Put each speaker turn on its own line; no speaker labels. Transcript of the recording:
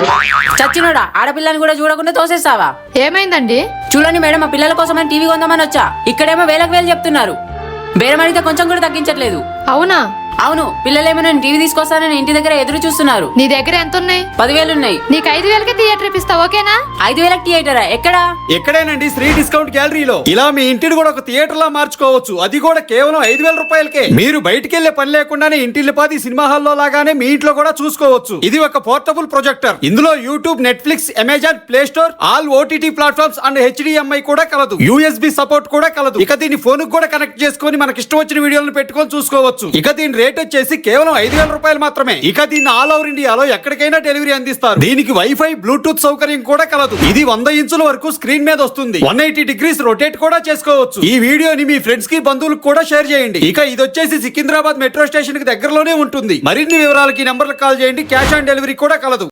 చచ్చినోడా, ఆడపిల్లని కూడా చూడకుండా తోసేస్తావా?
ఏమైందండి?
చూడండి మేడం, మా పిల్లల కోసం టీవీ కొందామని వచ్చా. ఇక్కడేమో వేలకు వేలు చెప్తున్నారు. బేరం అడిగితే కొంచెం కూడా తగ్గించట్లేదు.
అవునా?
అవును, పిల్లలేమో నేను టీవీ తీసుకొస్తానని ఇంటి దగ్గర ఎదురు చూస్తున్నారు.
నీ దగ్గర ఎంత ఉన్నాయి?
10,000 ఉన్నాయి.
నీకు 5,000కి థియేటర్ ఇప్పిస్తా, ఓకేనా?
5,000కి థియేటరా? ఎక్కడా?
ఎక్కడేనండి, శ్రీ డిస్కౌంట్ గ్యాలరీలో. ఇలా మీ ఇంటిని కూడా ఒక థియేటర్ లా మార్చుకోవచ్చు, అది కూడా కేవలం 5,000 రూపాయలకే. మీరు బయటికి వెళ్లే పని లేకుండానే ఇంటిల్లిపాది సినిమా హాల్లో లాగానే మీ ఇంట్లో కూడా చూసుకోవచ్చు. ఇది ఒక పోర్టబుల్ ప్రొజెక్టర్. ఇందులో YouTube, Netflix, Amazon, play store, all OTT platforms and HDMI కూడా కలదు. USB సపోర్ట్ కూడా కలదు. ఇక దీని ఫోన్ కూడా కనెక్ట్ చేసుకుని మనకి ఇష్టం వచ్చిన వీడియోలను పెట్టుకొని చూసుకోవచ్చు. ఇక దీని రేట్ వచ్చేసి కేవలం 5,000 రూపాయలు మాత్రమే. ఇక దీన్ని ఆల్ ఓవర్ ఇండియాలో ఎక్కడికైనా డెలివరీ అందిస్తారు. దీనికి వైఫై, బ్లూటూత్ సౌకర్యం కూడా కలదు. ఇది 100 ఇంచుల వరకు స్క్రీన్ మీద వస్తుంది. 180 డిగ్రీస్ రొటేట్ కూడా చేసుకోవచ్చు. ఈ వీడియోని మీ ఫ్రెండ్స్ కి, బంధువులకు కూడా షేర్ చేయండి. ఇక ఇది వచ్చేసి సికింద్రాబాద్ మెట్రో స్టేషన్ కి దగ్గరలోనే ఉంటుంది. మరిన్ని వివరాలకి నంబర్లకు కాల్ చేయండి. క్యాష్ ఆన్ డెలివరీ కూడా కలదు.